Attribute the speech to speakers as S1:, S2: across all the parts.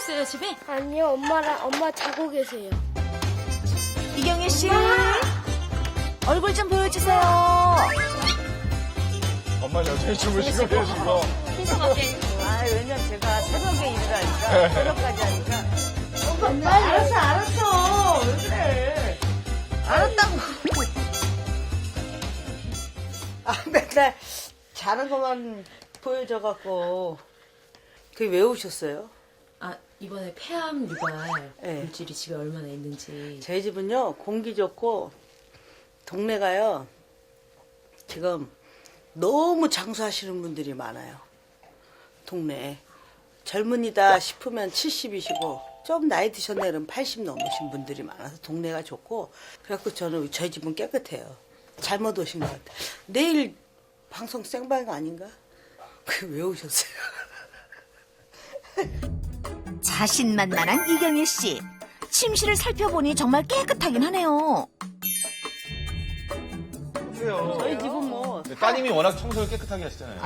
S1: 있어요, 집에?
S2: 아니요, 엄마 자고 계세요.
S3: 이경희 씨, 얼굴 좀 보여주세요.
S4: 엄마 여전히 주무시고 계시고.
S3: 아, 왜냐면 제가 새벽에 일을 하니까, 새벽까지 하니까. 알았어. 왜 그래? 알았다고. 맨날 자는 것만 보여줘갖고. 그게 왜 오셨어요?
S1: 아, 이번에 폐암 유발
S3: 네.
S1: 물질이 집에 얼마나 있는지.
S3: 저희 집은요, 공기 좋고, 동네가요, 지금 너무 장수하시는 분들이 많아요. 동네에. 젊은이다 싶으면 70이시고, 좀 나이 드셨네 그러면 80 넘으신 분들이 많아서 동네가 좋고, 그래갖고 저는 저희 집은 깨끗해요. 잘못 오신 것 같아요. 내일 방송 생방 아닌가? 왜 오셨어요?
S5: 자신만만한 이경희 씨. 침실을 살펴보니 정말 깨끗하긴 하네요.
S3: 저희 집은 뭐.
S4: 따님이 워낙 청소를 깨끗하게 하시잖아요.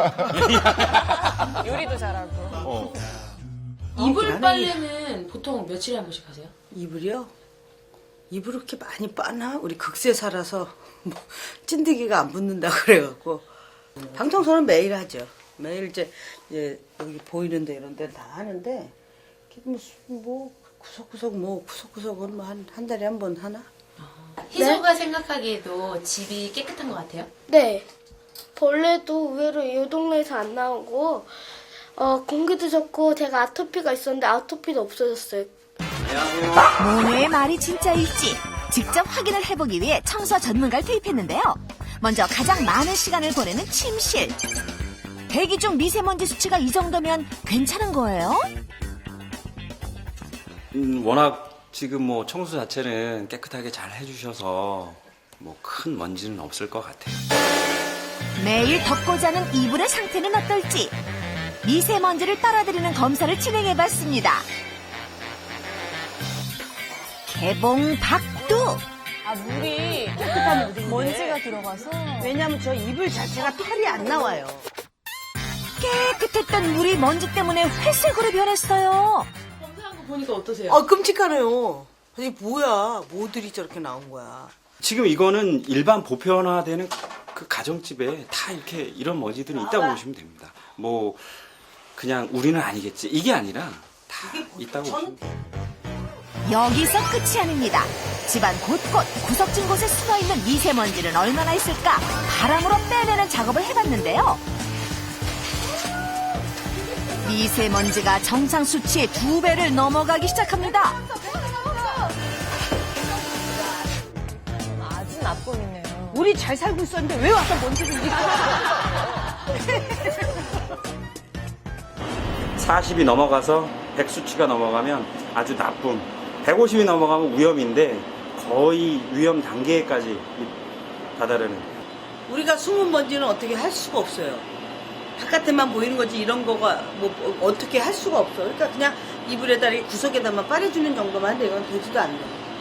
S3: 아이들. 요리도 잘하고.
S1: 이불 빨래는 보통 며칠에 한 번씩 하세요?
S3: 이불이요? 이불 그렇게 많이 빠나? 우리 극세 살아서 뭐 찐득이가 안 붙는다 그래갖고 방 청소는 매일 하죠. 매일 이제 여기 보이는데 이런 데 다 하는데 뭐 구석구석은 뭐 한 달에 한 번 하나?
S1: 희조가 생각하기에도 집이 깨끗한 것 같아요?
S2: 네. 벌레도 의외로 이 동네에서 안 나오고, 공기도 좋고, 제가 아토피가 있었는데 아토피도 없어졌어요.
S5: 모녀의 말이 진짜일지 직접 확인을 해보기 위해 청소 전문가를 투입했는데요. 먼저 가장 많은 시간을 보내는 침실. 대기 중 미세먼지 수치가 이 정도면 괜찮은 거예요?
S6: 워낙 지금 뭐 청소 자체는 깨끗하게 잘 해주셔서 뭐 큰 먼지는 없을 것 같아요.
S5: 매일 덮고 자는 이불의 상태는 어떨지 미세먼지를 빨아들이는 검사를 진행해봤습니다. 개봉 박두.
S3: 아, 물이 깨끗한 물인데 먼지가 들어가서 왜냐면 저 이불 자체가 털이 안 나와요.
S5: 깨끗했던 물이 먼지 때문에 회색으로 변했어요.
S1: 검사한 거 보니까 어떠세요?
S3: 아, 끔찍하네요. 아니 뭐야, 뭐들이 저렇게 나온 거야.
S6: 지금 이거는 일반 보편화되는 그 가정집에 다 이렇게 이런 먼지들이 있다고 보시면 됩니다. 뭐 그냥 우리는 아니겠지 이게 아니라 다 있다고 보시면 돼요.
S5: 여기서 끝이 아닙니다. 집안 곳곳 구석진 곳에 숨어있는 미세먼지는 얼마나 있을까 바람으로 빼내는 작업을 해봤는데요. 미세먼지가 정상 수치의 2배를 넘어가기 시작합니다.
S3: 아주 나쁨이네요. 우리 잘 살고 있었는데 왜 와서 먼지를 이렇게
S6: 40이 넘어가서 100 수치가 넘어가면 아주 나쁨, 150이 넘어가면 위험인데 거의 위험 단계까지 다다르는.
S3: 우리가 숨은 먼지는 어떻게 할 수가 없어요. 바깥에만 보이는 거지 이런 거가 뭐 어떻게 할 수가 없어. 그러니까 그냥 이불에다 이 구석에다만 빨아주는 정도만 한데 이건 되지도 않네.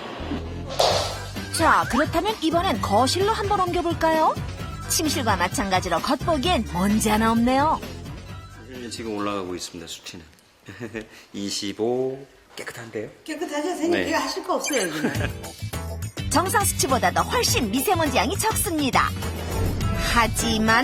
S5: 자, 그렇다면 이번엔 거실로 한번 옮겨볼까요? 침실과 마찬가지로 겉보기엔 먼지 하나 없네요.
S6: 지금 올라가고 있습니다. 수치는 25 깨끗한데요?
S3: 깨끗하죠? 선생님
S6: 네.
S3: 제가 하실 거 없어요 여기는.
S5: 정상 수치보다도 훨씬 미세먼지 양이 적습니다. 하지만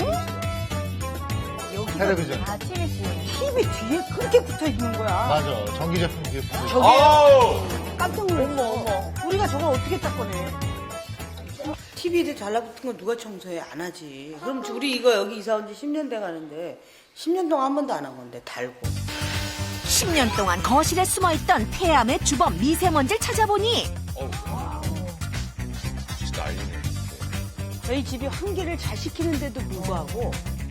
S4: 텔레비전.
S3: TV 뒤에 그렇게 붙어 있는 거야.
S4: 맞아. 전기 제품 뒤에 붙어.
S3: 저게
S4: 아우!
S3: 깜짝 놀랐어. 어머. 우리가 저걸 어떻게 닦아내? TV에 달라붙은 건 누가 청소해? 안 하지. 그럼 우리 이거 여기 이사 온 지 10년 돼 가는데 10년 동안 한 번도 안 한 건데 달고.
S5: 10년 동안 거실에 숨어있던 폐암의 주범 미세먼지를 찾아보니
S4: 진짜 난리네.
S3: 저희 집이 환기를 잘 시키는데도 불구하고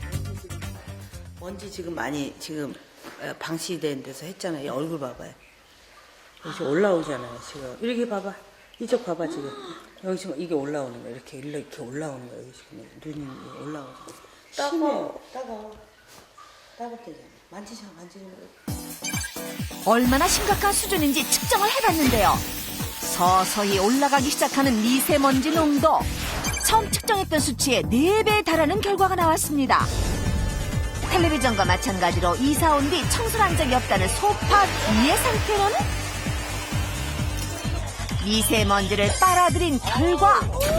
S3: 먼지 지금 많이 지금 방치된 데서 했잖아요. 얼굴 봐봐요. 여기 올라오잖아요. 지금 이렇게 봐봐. 이쪽 봐봐 지금. 여기 지금 이게 올라오는 거야. 이렇게 올라오는 거야. 여기 지금 눈이 올라오고. 따가워. 따갑대잖아. 만지잖아.
S5: 얼마나 심각한 수준인지 측정을 해봤는데요. 서서히 올라가기 시작하는 미세먼지 농도. 처음 측정했던 수치의 4배에 달하는 결과가 나왔습니다. 텔레비전과 마찬가지로 이사 온 뒤 청소를 한 적이 없다는 소파 뒤의 상태로는 미세먼지를 빨아들인 결과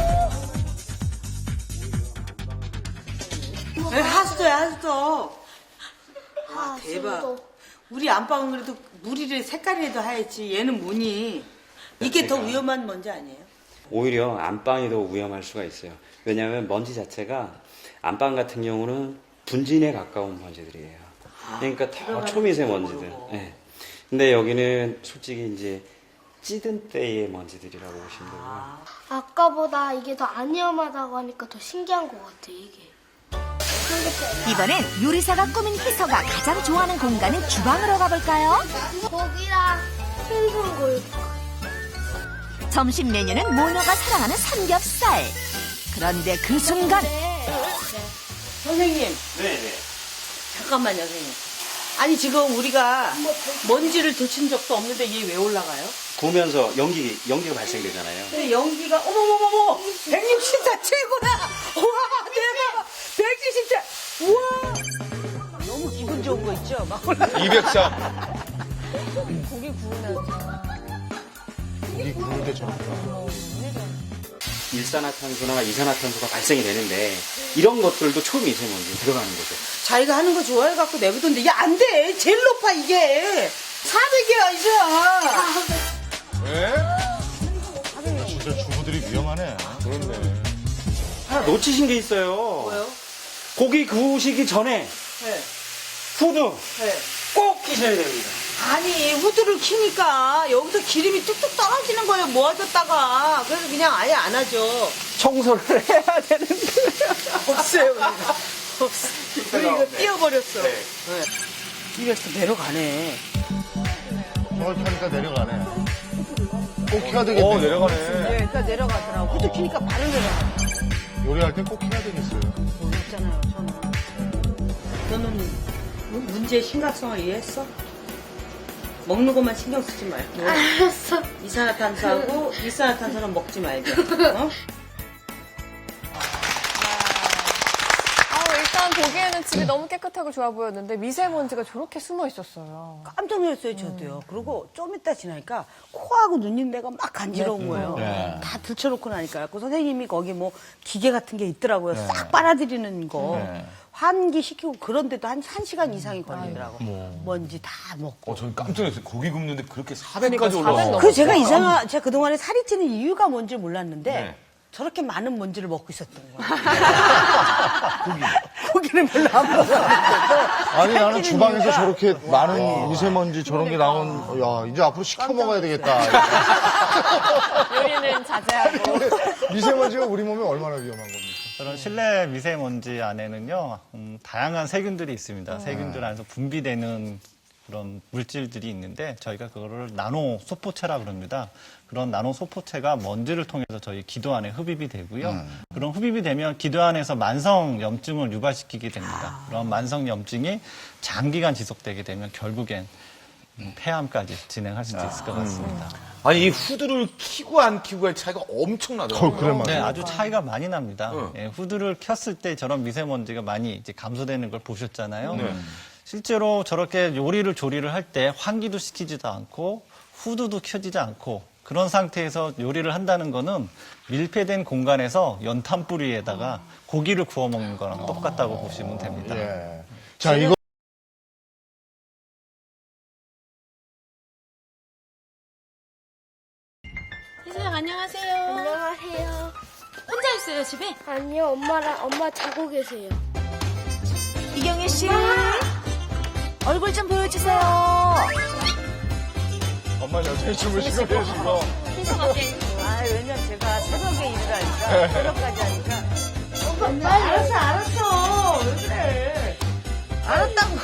S3: 하수도야, 하수도. 아, 대박.
S2: 진도.
S3: 우리 안방은 그래도 물이 색깔이라도 하얗지. 얘는 뭐니? 이게 더 위험한 먼지 아니에요?
S6: 오히려 안방이 더 위험할 수가 있어요. 왜냐하면 먼지 자체가 안방 같은 경우는 분진에 가까운 먼지들이에요. 그러니까 더 초미세먼지들. 네. 근데 여기는 솔직히 이제 찌든 때의 먼지들이라고 보시면 되고요.
S2: 아까보다 이게 더 안 위험하다고 하니까 더 신기한 것 같아, 이게.
S5: 이번엔 요리사가 꾸민 희서가 가장 좋아하는 공간인 주방으로 가볼까요?
S2: 고기랑 생선골.
S5: 점심 메뉴는 모녀가 사랑하는 삼겹살. 그런데 그 순간
S3: 선생님,
S6: 네네.
S3: 잠깐만요, 선생님. 아니, 지금 우리가 먼지를 데친 적도 없는데 얘 왜 올라가요?
S6: 구우면서 연기가 발생되잖아요.
S3: 근데 연기가, 어머머머머! 164 최고다! 우와, 대박! 174! 우와! 너무 기분 좋은 거 있죠? 막 올라가.
S4: 203.
S2: 고기 구우면서.
S4: 고기 구울 때 저렇게.
S6: 일산화탄소나 이산화탄소가 발생이 되는데 이런 것들도 초미세먼지 들어가는 거죠.
S3: 자기가 하는 거 좋아해갖고 내보던데, 야, 안 돼! 제일 높아, 이게! 400이야, 이제!
S4: 왜? 진짜 주부들이 위험하네. 그렇네.
S6: 하나 놓치신 게 있어요.
S3: 뭐요?
S6: 고기 구우시기 전에
S3: 네.
S6: 후드
S3: 네.
S6: 꼭 끼셔야 됩니다.
S3: 아니, 후드를 키니까 여기서 기름이 뚝뚝 떨어지는 거예요, 모아졌다가. 그래서 그냥 아예 안 하죠.
S6: 청소를 해야 되는데.
S3: 없어요, 우리가. 없어. 우리 이거 띄워버렸어.
S6: 네.
S3: 네. 이래서 내려가네.
S4: 저렇게 하니까 내려가네. 꼭 해야 되겠네. 내려가네.
S3: 네, 그러니까 내려가더라고. 후드 키니까 바로 내려가.
S4: 요리할 땐 꼭 해야 되겠어요.
S3: 여기 있잖아요, 저는. 너는 문제의 심각성을 이해했어? 먹는 것만 신경 쓰지 말고.
S2: 알았어.
S3: 이산화탄소하고 일산화탄소는 먹지 말자. 어?
S7: 일단 보기에는 집이 너무 깨끗하고 좋아 보였는데 미세먼지가 저렇게 숨어 있었어요.
S3: 깜짝 놀랐어요, 저도요. 그리고 좀 이따 지나니까 코하고 눈인데가 막 간지러운 거예요.
S4: 네.
S3: 다 들춰놓고 나니까. 그 선생님이 거기 뭐 기계 같은 게 있더라고요. 싹 빨아들이는 거.
S4: 네.
S3: 환기시키고 그런데도 한 1시간 이상이 걸리더라고. 먼지 다 먹고.
S4: 저는 깜짝 놀랐어요. 고기 굽는데 그렇게 400까지
S7: 400
S4: 올라와.
S7: 넘어.
S3: 그 제가 제가 그동안에 살이 찌는 이유가 뭔지 몰랐는데
S4: 네.
S3: 저렇게 많은 먼지를 먹고 있었던 거예요. 고기는 별로 안 먹었는데도.
S4: 아니, 나는 주방에서
S3: 이유가
S4: 저렇게 많은 미세먼지 저런 게 나온, 야, 이제 앞으로 시켜 먹어야 되겠다.
S7: 요리는 자제하고.
S4: 미세먼지가 우리 몸에 얼마나 위험한 겁니까?
S8: 그런 실내 미세먼지 안에는요, 다양한 세균들이 있습니다. 세균들 안에서 분비되는 그런 물질들이 있는데 저희가 그거를 나노 소포체라 그럽니다. 그런 나노 소포체가 먼지를 통해서 저희 기도 안에 흡입이 되고요. 그런 흡입이 되면 기도 안에서 만성 염증을 유발시키게 됩니다. 그런 만성 염증이 장기간 지속되게 되면 결국엔 폐암까지 진행할 수도 있을 것 같습니다.
S9: 아니 이 후드를 키고 안 키고의 차이가 엄청나더라고요.
S4: 그래 말이야.
S8: 네, 아주 차이가 많이 납니다. 예, 후드를 켰을 때 저런 미세먼지가 많이 이제 감소되는 걸 보셨잖아요. 실제로 저렇게 요리를 조리를 할 때 환기도 시키지도 않고 후드도 켜지지 않고 그런 상태에서 요리를 한다는 거는 밀폐된 공간에서 연탄뿌리에다가 고기를 구워 먹는 거랑 똑같다고 보시면 됩니다.
S4: 예. 자, 이거.
S1: 희수야 안녕하세요.
S2: 안녕하세요.
S1: 혼자 있어요 집에?
S2: 아니요, 엄마 자고 계세요.
S5: 이경혜 씨 얼굴 좀 보여주세요.
S4: 엄마 여전히 주무시고 계시고.
S3: 아, 왜냐면 제가 새벽에 일을 하니까, 새벽까지 하니까. 알았어. 왜 그래. 알았다고.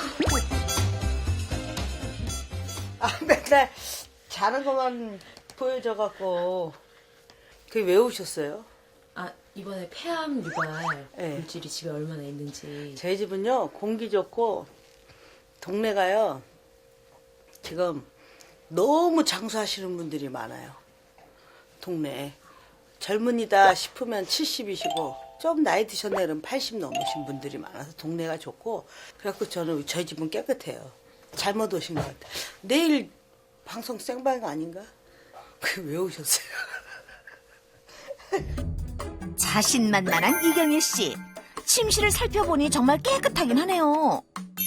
S3: 아, 맨날 자는 것만 보여줘갖고. 그게 왜 오셨어요?
S1: 아 이번에 폐암 유발
S3: 네.
S1: 물질이 집에 얼마나 있는지.
S3: 저희 집은요, 공기 좋고, 동네가요, 지금 너무 장수하시는 분들이 많아요. 동네에. 젊은이다 싶으면 70이시고, 좀 나이 드셨나 그러면 80 넘으신 분들이 많아서 동네가 좋고 그래갖고 저는 저희 집은 깨끗해요. 잘못 오신 것 같아요. 내일 방송 생방 아닌가? 왜 오셨어요?
S5: 자신만만한 이경일 씨. 침실을 살펴보니 정말 깨끗하긴 하네요.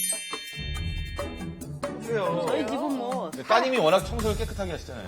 S3: 저희 집은 뭐
S9: 따님이 워낙 청소를 깨끗하게 하시잖아요.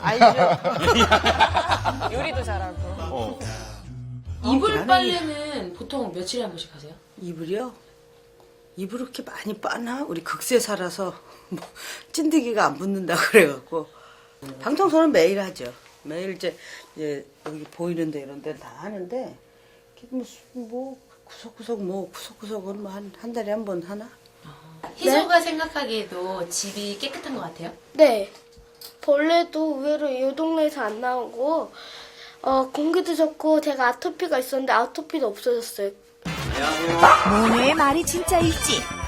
S3: 아이들
S7: 요리도 잘하고.
S1: 이불 빨래는 보통 며칠에 한 번씩 하세요?
S3: 이불이요? 이불 그렇게 많이 빠나? 우리 극세 살아서 뭐 찐득이가 안 붙는다 그래갖고 방청소는 매일 하죠. 매일 이제 여기 보이는데 이런 데는 다 하는데 뭐 구석구석은 뭐 한 달에 한 번 하나?
S1: 희소가 생각하기에도 집이 깨끗한 것 같아요?
S2: 네. 벌레도 의외로 이 동네에서 안 나오고 공기도 좋고 제가 아토피가 있었는데 아토피도 없어졌어요.
S5: 모녀의 말이 진짜일지